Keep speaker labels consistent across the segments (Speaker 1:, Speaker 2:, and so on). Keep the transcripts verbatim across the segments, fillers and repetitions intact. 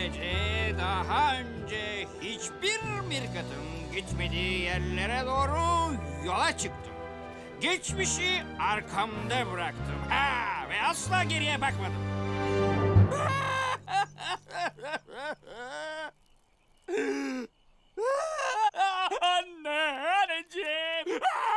Speaker 1: Böylece daha önce hiçbir mirkatın gitmediği yerlere doğru yola çıktım. Geçmişi arkamda bıraktım. Ha, ve asla geriye bakmadım. Anne, anneciğim.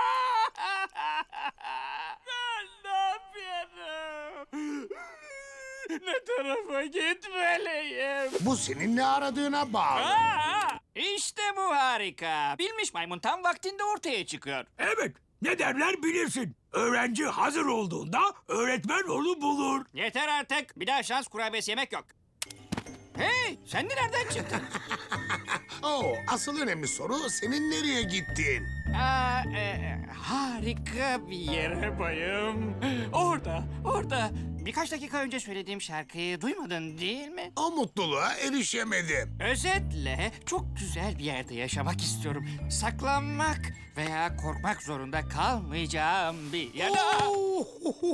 Speaker 1: Ben ne yapıyorum? Ne tarafa gitmeliyim?
Speaker 2: Bu senin ne aradığına bağlı.
Speaker 1: Aa, işte bu harika. Bilmiş maymun tam vaktinde ortaya çıkıyor.
Speaker 3: Evet, ne derler bilirsin. Öğrenci hazır olduğunda öğretmen onu bulur.
Speaker 1: Yeter artık. Bir daha şans kurabiyesi yemek yok. Hey, sen de nereden çıktın?
Speaker 2: Oo, asıl önemli soru senin nereye gittin?
Speaker 1: Aa, e, harika bir yere bayım. Orada, orada. Birkaç dakika önce söylediğim şarkıyı duymadın değil mi?
Speaker 2: O mutluluğa erişemedim.
Speaker 1: Özetle çok güzel bir yerde yaşamak istiyorum. Saklanmak veya korkmak zorunda kalmayacağım bir yer.
Speaker 2: Oo,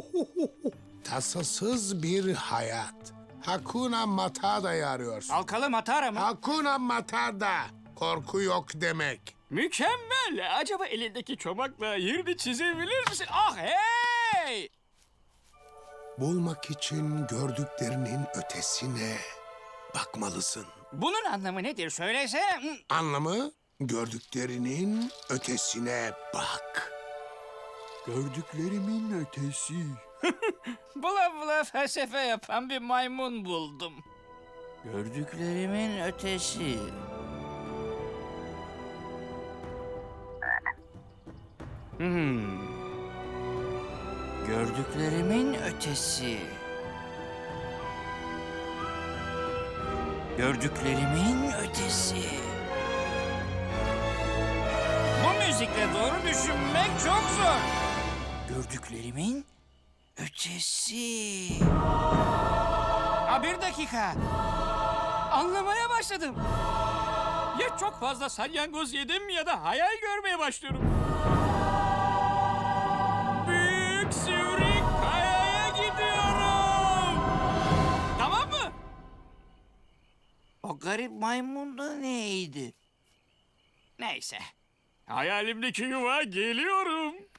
Speaker 2: tasasız bir hayat. Hakuna Matada'yı arıyorsun.
Speaker 1: Halkalı Matara mı?
Speaker 2: Hakuna Matada. Korku yok demek.
Speaker 1: Mükemmel. Acaba elindeki çomakla yerini çizebilir misin? Ah hey!
Speaker 2: Bulmak için gördüklerinin ötesine bakmalısın.
Speaker 1: Bunun anlamı nedir söylese?
Speaker 2: Anlamı gördüklerinin ötesine bak.
Speaker 3: Gördüklerimin ötesi.
Speaker 1: Bula bula felsefe yapan bir maymun buldum. Gördüklerimin ötesi. Hmm. Gördüklerimin ötesi. Gördüklerimin ötesi. Bu müzikle doğru düşünmek çok zor. Gördüklerimin ötesi. Ha, bir dakika. Anlamaya başladım. Ya çok fazla salyangoz yedim ya da hayal görmeye başlıyorum. Büyük sivri kayaya gidiyorum. Tamam mı? O garip maymun da neydi? Neyse. Hayalimdeki yuva geliyorum.